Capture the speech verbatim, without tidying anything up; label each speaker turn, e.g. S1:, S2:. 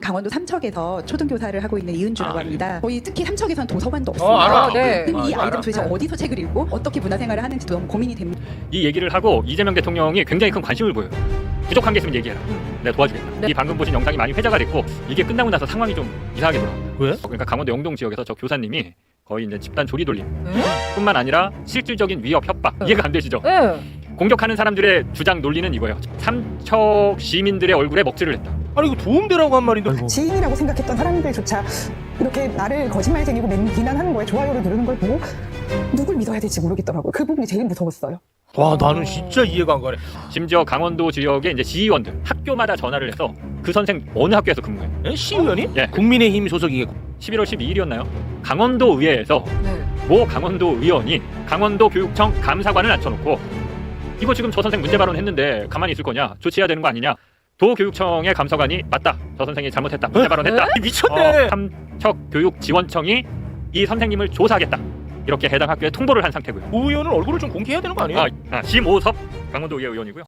S1: 강원도 삼척에서 초등교사를 하고 있는 이은주라고
S2: 아,
S1: 합니다. 거의 특히 삼척에선 도서관도
S2: 어,
S1: 없습니다.
S2: 알아.
S3: 네.
S1: 그럼 이
S2: 아,
S1: 아이들은
S2: 알아.
S1: 도대체 어디서 책을 읽고 어떻게 문화생활을 하는지 너무 고민이 됩니다.
S4: 이 얘기를 하고 이재명 대통령이 굉장히 큰 관심을 보여요. 부족한 게 있으면 얘기해라. 내가 도와주겠다.
S3: 네.
S4: 이 방금 보신 영상이 많이 회자가 됐고 이게 끝나고 나서 상황이 좀 이상하게 돌아와요.
S2: 왜?
S4: 그러니까 강원도 영동 지역에서 저 교사님이 거의 이제 집단 조리 돌림
S3: 네?
S4: 뿐만 아니라 실질적인 위협, 협박
S3: 네.
S4: 이해가 안 되시죠?
S3: 네.
S4: 공격하는 사람들의 주장 논리는 이거예요. 삼척 시민들의 얼굴에 먹칠을 했다.
S2: 아니 이거 도움되라고 한 말인데.
S5: 지인이라고 생각했던 사람들조차 이렇게 나를 거짓말쟁이고 맨 비난하는 거에 좋아요를 누르는 걸 보고 누굴 믿어야 될지 모르겠더라고요. 그 부분이 제일 무서웠어요.
S2: 와 나는 진짜 이해가 안 가네.
S4: 심지어 강원도 지역의 이제 지휘원들 학교마다 전화를 해서 그 선생 어느 학교에서 근무해?
S2: 에? 시의원이?
S4: 예.
S2: 국민의힘 소속이겠고.
S4: 십일월 십이일이었나요? 강원도 의회에서
S3: 네.
S4: 모 강원도 의원이 강원도 교육청 감사관을 앉혀놓고 이거 지금 저 선생 문제 발언했는데 가만히 있을 거냐? 조치해야 되는 거 아니냐? 도교육청의 감사관이 맞다. 저 선생이 잘못했다. 문제 발언했다.
S2: 에? 미쳤네.
S4: 어, 삼척교육지원청이 이 선생님을 조사하겠다. 이렇게 해당 학교에 통보를 한 상태고요.
S2: 오 의원은 얼굴을 좀 공개해야 되는 거 아니에요?
S4: 아, 아, 심오섭 강원도 의회 의원이고요.